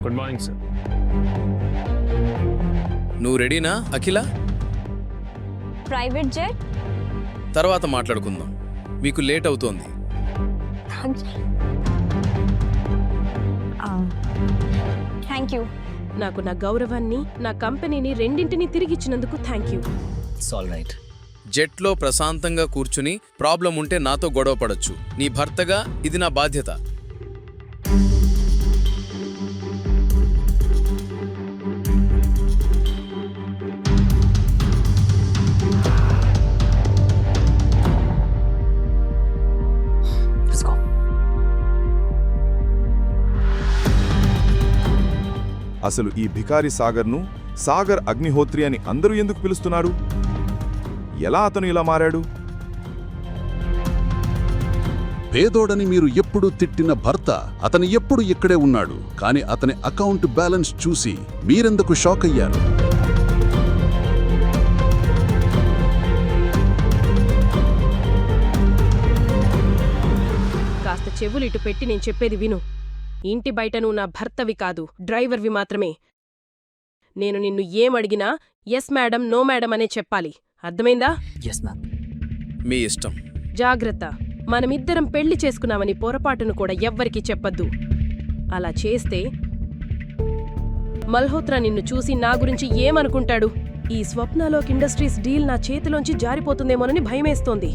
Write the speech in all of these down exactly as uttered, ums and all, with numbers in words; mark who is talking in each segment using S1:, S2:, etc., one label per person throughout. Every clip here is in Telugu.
S1: Good morning sir.
S2: నువ్వు రెడీనా అఖిల?
S3: ప్రైవేట్ జెట్
S2: తర్వాత మాట్లాడుకుందాం, మీకు లేట్ అవుతోంది.
S3: Thank you.
S4: నాకు నా గౌరవాన్ని, నా కంపెనీని రెండింటినీ తిరిగిచ్చినందుకు thank you.
S5: It's all right.
S2: జెట్లో ప్రశాంతంగా కూర్చుని ప్రాబ్లం ఉంటే నాతో గొడవ పడొచ్చు. నీ భర్తగా ఇది నా బాధ్యత.
S5: Let's go.
S6: అసలు ఈ భికారి సాగర్ను సాగర్ అగ్నిహోత్రి అని అందరూ ఎందుకు పిలుస్తున్నారు? ఎలా అతను ఇలా మారాడు?
S7: పేదోడని మీరు ఎప్పుడు తిట్టిన భర్త అతను ఎప్పుడు ఇక్కడే ఉన్నాడు, కానీ అతని అకౌంట్ బ్యాలెన్స్ చూసి మీరెందుకు షాక్ అయ్యారు?
S4: కాస్త చెవులు ఇటు పెట్టి నేను చెప్పేది విను. ఇంటి బయట నువ్వు నా భర్తవి కాదు, డ్రైవర్వి మాత్రమే. నేను నిన్ను ఏమడిగినా ఎస్ మేడం, నో మేడం అనే చెప్పాలి. అర్థమైందా?
S5: Yes ma'am.
S2: మీ ఇష్టం.
S4: జాగ్రత్త, మనమిద్దరం పెళ్లి చేసుకున్నామని పొరపాటును కూడా ఎవ్వరికీ చెప్పొద్దు. అలా చేస్తే మల్హోత్రా నిన్ను చూసి నా గురించి ఏమనుకుంటాడు? ఈ స్వప్నాలోక్ ఇండస్ట్రీస్ డీల్ నా చేతిలోంచి జారిపోతుందేమోనని భయమేస్తోంది.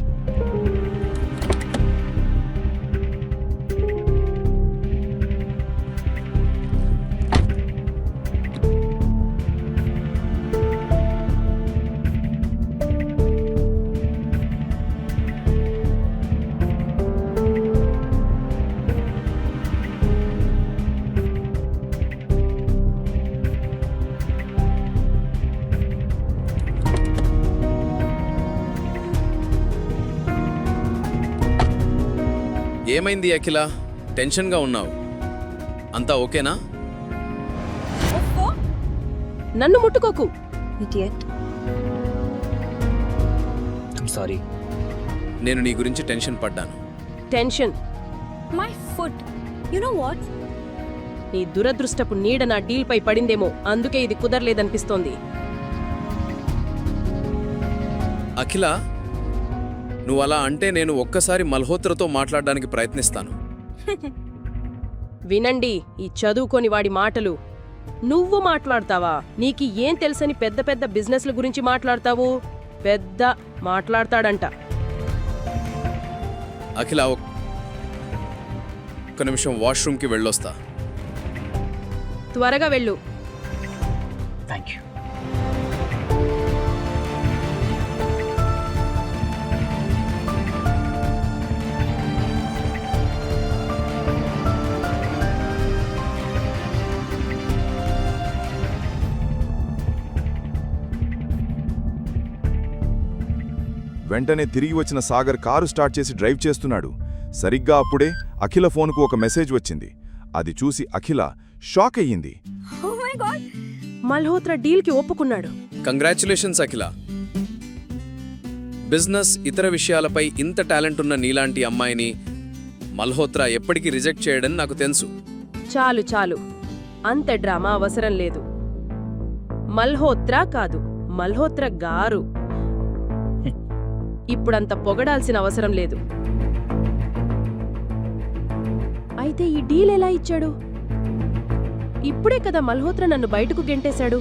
S2: ఏమైంది అఖిల? టెన్షన్గా ఉన్నావు. అంతా ఓకేనా?
S4: నన్ను ముట్టుకోకు.
S3: ఇడియట్.
S5: I'm sorry.
S2: నేను నీ గురించి టెన్షన్ పడ్డాను.
S4: Tension?
S3: My foot. You know what?
S4: నీ దురదృష్టపు నీడ నా డీల్పై పడిందేమో, అందుకే ఇది కుదరలేదనిపిస్తోంది.
S2: అఖిల, నువ్వు అలా అంటే నేను ఒక్కసారి మల్హోత్రతో మాట్లాడడానికి ప్రయత్నిస్తాను.
S4: వినండి ఈ చదువుకోని వాడి మాటలు. నువ్వు మాట్లాడతావా? నీకు ఏం తెలుసని పెద్ద పెద్ద బిజినెస్ల గురించి మాట్లాడతావు? పెద్ద మాట్లాడతాడంట.
S2: అఖిల, ఒక్క నిమిషం వాష్రూమ్కి వెళ్ళొస్తా.
S4: త్వరగా వెళ్ళు.
S5: Thank you.
S6: వెంటనే తిరిగి వచ్చిన సాగర్ కారు స్టార్ట్ చేసి డ్రైవ్ చేస్తున్నాడు. సరిగ్గా అప్పుడే అఖిల ఫోన్కు ఒక మెసేజ్ వచ్చింది. అది చూసి అఖిల షాక్ అయ్యింది.
S3: Oh my God.
S4: మల్హోత్రా డీల్కి ఒప్పుకున్నాడు.
S2: కంగ్రాచ్యులేషన్స్ అఖిల. బిజినెస్, ఇతర విషయాలపై ఇంత టాలెంట్ ఉన్న నీలాంటి అమ్మాయిని మల్హోత్రా ఎప్పటికీ రిజెక్ట్ చేయడని నాకు తెలుసు.
S4: చాలు చాలు, అంత డ్రామా అవసరం లేదు. మల్హోత్రా కాదు, మల్హోత్రా గారు. ఇప్పుడంత పొగడాల్సిన అవసరం లేదు. అయితే ఈ డీల్ ఎలా ఇచ్చాడు? ఇప్పుడే కదా మల్హోత్రా నన్ను బయటకు గెంటేశాడు.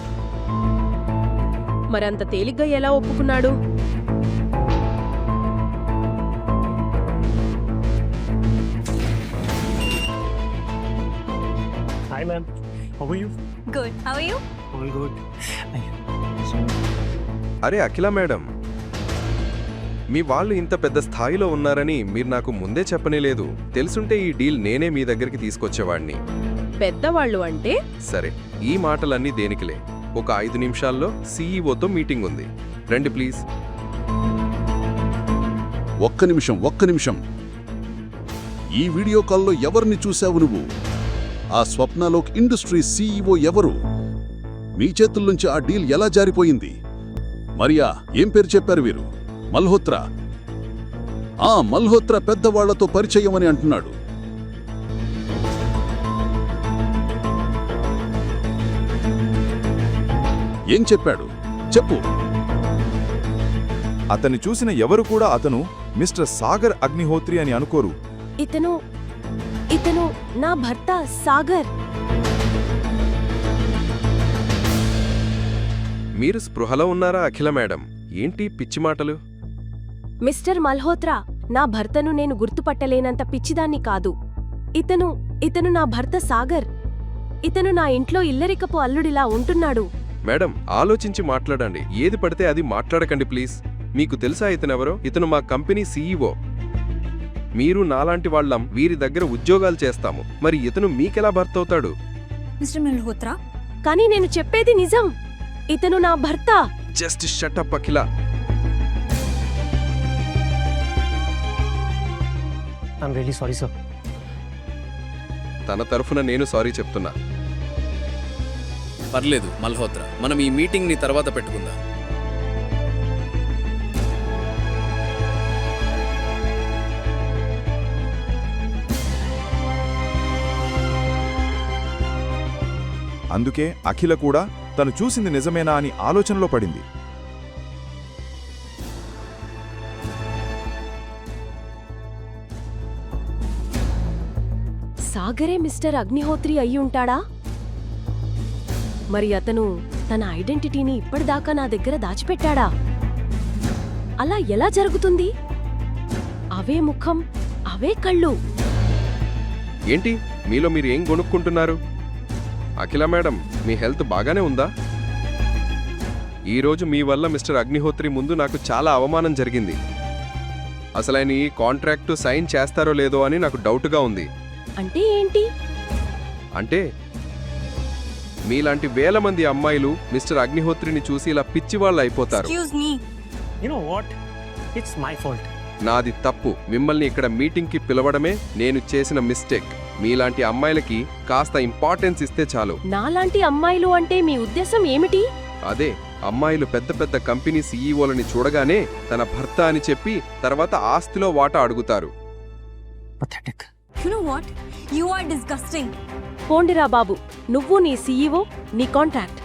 S4: మరంత తేలిగ్గా ఎలా ఒప్పుకున్నాడు?
S1: Hi ma'am, how are you?
S3: Good. How are you?
S1: All good.
S8: అరే అఖిల మేడం, మీ వాళ్ళు ఇంత పెద్ద స్థాయిలో ఉన్నారని మీరు నాకు ముందే చెప్పనేలేదు. తెలుసుంటే ఈ డీల్ నేనే మీ దగ్గరికి తీసుకొచ్చేవాడిని.
S4: పెద్దవాళ్ళు అంటే?
S8: సరే, ఈ మాటలన్నీ దేనికిలే. ఒక ఐదు నిమిషాల్లో సీఈఓతో మీటింగ్ ఉంది. రండి ప్లీజ్.
S7: ఒక్క నిమిషం ఒక్క నిమిషం ఈ వీడియో కాల్లో ఎవరిని చూశావు నువ్వు? ఆ స్వప్నాలోక్ ఇండస్ట్రీస్ సీఈఓ ఎవరు? మీ చేతుల్లోంచి ఆ డీల్ ఎలా జారిపోయింది? మరియా, ఏం పేరు చెప్పారు వీరు? మల్హోత్రా. ఆ మల్హోత్రా పెద్దవాళ్లతో పరిచయం అని అంటున్నాడు. ఏం చెప్పాడు చెప్పు.
S6: అతన్ని చూసిన ఎవరు కూడా అతను మిస్టర్ సాగర్ అగ్నిహోత్రి అని అనుకోరు.
S4: ఇతను ఇతను నా భర్త సాగర్.
S8: మీరు స్పృహలో ఉన్నారా అఖిల మేడం? ఏంటి పిచ్చి మాటలు?
S4: మిస్టర్ మల్హోత్రా, నా భర్తను నేను గుర్తుపట్టలేనంత పిచ్చిదాన్ని కాదు. ఇతను ఇతను నా భర్త సాగర్. ఇతను నా ఇంట్లో ఇల్లరికపు అల్లుడిలా ఉంటున్నాడు.
S8: మేడం, ఆలోచించి మాట్లాడండి. ఏది పడితే అది మాట్లాడకండి ప్లీజ్. మీకు తెలుసా ఇతనెవరో? ఇతను మా కంపెనీ సీఈఓ. మీరు నాలాంటి వాళ్ళం వీరి దగ్గర ఉద్యోగాలు చేస్తాము. మరి ఇతను మీకెలా భర్త అవుతాడు?
S3: Mister Malhotra?
S4: కానీ నేను చెప్పేది నిజం. ఇతను నా భర్త.
S8: Just shut up Akhila.
S1: I'm really sorry sir.
S8: తన తరఫున నేను సారీ చెప్తున్నా.
S2: పర్లేదు మల్హోత్రా, మనం ఈ మీటింగ్ని తర్వాత పెట్టుకుందాం.
S6: అందుకే అఖిల కూడా తను చూసింది నిజమేనా అని ఆలోచనలో పడింది.
S4: సాగరే మిస్టర్ అగ్నిహోత్రి అయ్యుంటాడా? మరి అతను తన ఐడెంటిటీని ఇప్పటిదాకా నా దగ్గర దాచిపెట్టాడా? అలా ఎలా జరుగుతుంది? అవే ముఖం, అవే కళ్ళు.
S8: ఏంటి మీలో మీరు ఏం కొనుక్కుంటున్నారు? అఖిల మేడం, మీ హెల్త్ బాగానే ఉందా? ఈరోజు మీ వల్ల మిస్టర్ అగ్నిహోత్రి ముందు నాకు చాలా అవమానం జరిగింది. అసలు ఆయన ఈ కాంట్రాక్టు సైన్ చేస్తారో లేదో అని నాకు డౌట్గా ఉంది.
S4: అంటే ఏంటి?
S8: అంటే మీలాంటి వేల మంది అమ్మాయిలు మిస్టర్ అగ్నిహోత్రిని చూసి ఇలా పిచ్చివాళ్ళు అయిపోతారు.
S3: Excuse me.
S1: You know what? It's my fault.
S8: నాది తప్పు. మిమ్మల్ని ఇక్కడ మీటింగ్కి పిలవడమే నేను చేసిన మిస్టేక్. మీలాంటి అమ్మాయిలకి కాస్త ఇంపార్టెన్స్ ఇస్తే చాలు.
S4: నాలాంటి అమ్మాయిలు అంటే మీ ఉద్దేశం ఏమిటి?
S8: అదే, అమ్మాయిలు పెద్ద పెద్ద కంపెనీ సీఈఓలని చూడగానే తన భర్త అని చెప్పి తర్వాత ఆస్తిలో వాటా అడుగుతారు.
S1: Pathetic.
S3: You know what? You are disgusting.
S4: పోండిరా బాబు, నువ్వు నీ సీఈఓ, నీ కాంట్రాక్ట్.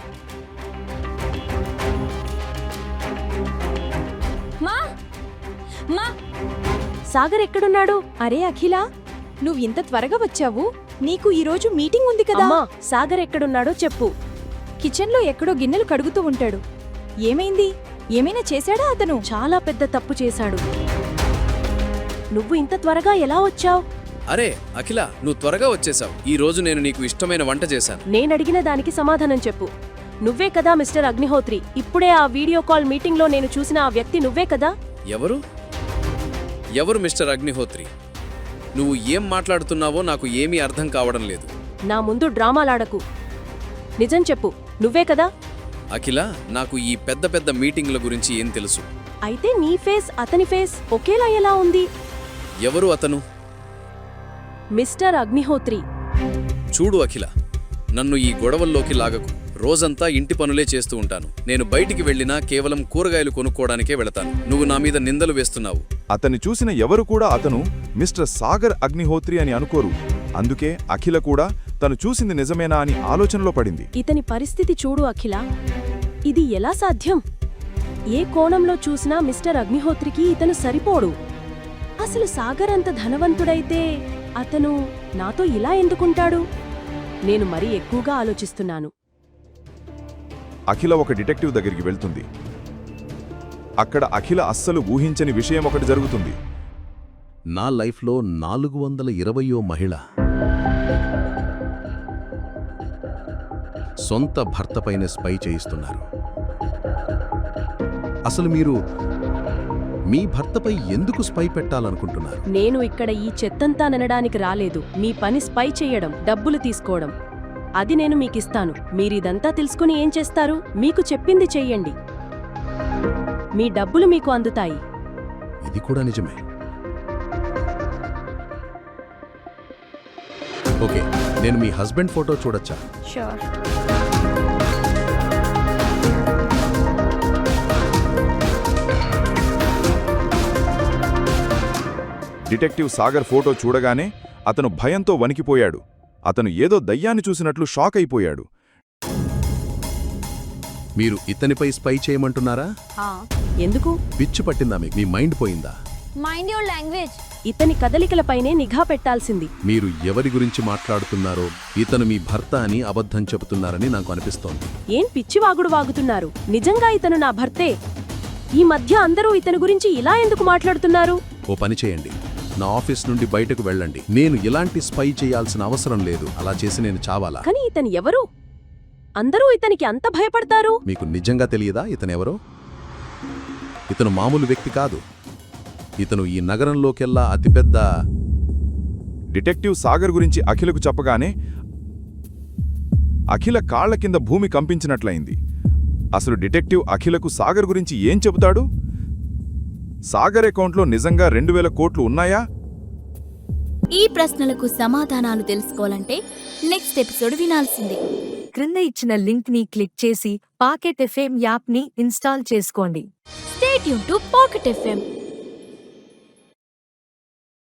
S3: మా మా
S4: సాగర్ ఎక్కడున్నాడు?
S9: అరే అఖిల, నువ్వు ఇంత త్వరగా వచ్చావు. నీకు ఈరోజు మీటింగ్ ఉంది కదా.
S4: అమ్మా, సాగర్ ఎక్కడున్నాడో చెప్పు.
S9: కిచెన్లో ఎక్కడో గిన్నెలు కడుగుతూ ఉంటాడు. ఏమైంది? ఏమైనా చేశాడా అతను?
S4: చాలా పెద్ద తప్పు చేశాడు. నువ్వు ఇంత త్వరగా ఎలా వచ్చావు?
S2: అరే అఖిల, నువ్వు త్వరగా వచ్చేసావు. ఈ రోజు నేను నీకు ఇష్టమైన వంట చేశాను.
S4: నేనడిగిన దానికి సమాధానం చెప్పు. నువ్వే కదా మిస్టర్ అగ్నిహోత్రి? ఇప్పుడే ఆ వీడియో కాల్ మీటింగ్లో నేను చూసిన ఆ వ్యక్తి నువ్వే కదా?
S2: ఎవరు ఎవరు మిస్టర్ అగ్నిహోత్రి? నువ్వు ఏం మాట్లాడుతున్నావో నాకు ఏమీ అర్థం కావడం లేదు.
S4: నా ముందు డ్రామాలాడకు. నిజం చెప్పు, నువ్వే కదా?
S2: అఖిల, నాకు ఈ పెద్ద పెద్ద మీటింగ్ల గురించి ఏం తెలుసు?
S4: అయితే నీ ఫేస్ అతని ఫేస్ ఒకేలా ఎలా ఉంది?
S2: ఎవరు అతను?
S4: మిస్టర్ అగ్నిహోత్రి.
S2: చూడు అఖిల, నన్ను ఈ గొడవల్లోకి లాగకు. రోజంతా ఇంటి పనులే చేస్తూ ఉంటాను. నేను బయటికి వెళ్ళినా కేవలం కూరగాయలు కొనుక్కోవడానికే వెళతాను. నువ్వు నా మీద నిందలు వేస్తున్నావు.
S6: అతన్ని చూసిన ఎవరు కూడా అతను మిస్టర్ సాగర్ అగ్నిహోత్రి అని అనుకోరు. అందుకే అఖిల కూడా తను చూసింది నిజమేనా అని ఆలోచనలో పడింది.
S4: ఇతని పరిస్థితి చూడు అఖిల. ఇది ఎలా సాధ్యం? ఏ కోణంలో చూసినా మిస్టర్ అగ్నిహోత్రికి ఇతను సరిపోడు. అసలు సాగర్ అంత ధనవంతుడైతే అతను నాతో ఇలా ఎందుకుంటాడు? నేను మరీ ఎక్కువగా ఆలోచిస్తున్నాను.
S6: అఖిల ఒక డిటెక్టివ్ దగ్గరికి వెళ్తుంది. అక్కడ అఖిల అస్సలు ఊహించని విషయం ఒకటి జరుగుతుంది.
S7: నా లైఫ్లో నాలుగు వందల ఇరవయో మహిళ సొంత భర్తపైన స్పై చేయిస్తున్నారు. అసలు మీరు మీ భర్తపై ఎందుకు స్పై పెట్టాలనుకుంటున్నారు?
S4: నేను ఇక్కడ ఈ చెత్తంతా ననడానికి రాలేదు. మీ పని స్పై చెయ్యడం, డబ్బులు తీసుకోవడం, అది నేను మీకిస్తాను. మీరిదంతా తెలుసుకుని ఏం చేస్తారు? మీకు చెప్పింది చెయ్యండి. మీ డబ్బులు మీకు అందుతాయి.
S7: ఇది కూడా నిజమే. ఓకే, నేను మీ హస్బెండ్ ఫోటో చూడొచ్చా?
S3: Sure.
S6: డిటెక్టివ్ సాగర్ ఫోటో చూడగానే అతను భయంతో వణికిపోయాడు. అతను ఏదో దయ్యాన్ని చూసినట్లు షాక్ అయిపోయాడు.
S7: మీరు ఇతనిపై స్పై చేయమంటున్నారా?
S4: ఎందుకు?
S7: పిచ్చి పట్టిందా మీకు? మీ మైండ్ పోయిందా?
S3: Mind your language.
S4: ఇతని కదలికలపైనే నిఘా పెట్టాల్సింది.
S7: మీరు ఎవరి గురించి మాట్లాడుతున్నారో ఇతను మీ భర్త అని అబద్ధం చెబుతున్నారని నాకు అనిపిస్తోంది.
S4: ఏం పిచ్చివాగుడు వాగుతున్నారు? నిజంగా ఇతను నా భర్తే. ఈ మధ్య అందరూ ఇతని గురించి ఇలా ఎందుకు మాట్లాడుతున్నారు?
S7: ఓ పని చేయండి, నా ఆఫీస్ నుండి బయటకు వెళ్ళండి. నేను ఇలాంటి స్పై చేయాల్సిన అవసరం లేదు. అలా చేసి నేను చావాలా?
S4: కానీ ఇతను ఎవరు? అందరూ ఇతనికి అంత భయపడతారు.
S7: మీకు నిజంగా తెలియదా ఇతనెవరో? ఇతను మామూలు వ్యక్తి కాదు. ఇతను ఈ నగరంలోకెల్లా అతిపెద్ద
S6: డిటెక్టివ్ సాగర్ గురించి అఖిలకు చెప్పగానే అఖిల కాళ్ల కింద భూమి కంపించినట్లయింది. అసలు డిటెక్టివ్ అఖిలకు సాగర్ గురించి ఏం చెబుతాడు? సాగర్ అకౌంట్లో నిజంగా రెండు వేల కోట్లు ఉన్నాయా?
S10: ఈ ప్రశ్నలకు సమాధానాలు తెలుసుకోవాలంటే నెక్స్ట్ ఎపిసోడ్ వినాల్సిందే.
S11: క్రింద ఇచ్చిన లింక్ ని క్లిక్ చేసి పాకెట్ ఎఫ్ఎం యాప్ ని ఇన్స్టాల్ చేసుకోండి.
S10: Stay tune to pocket FM.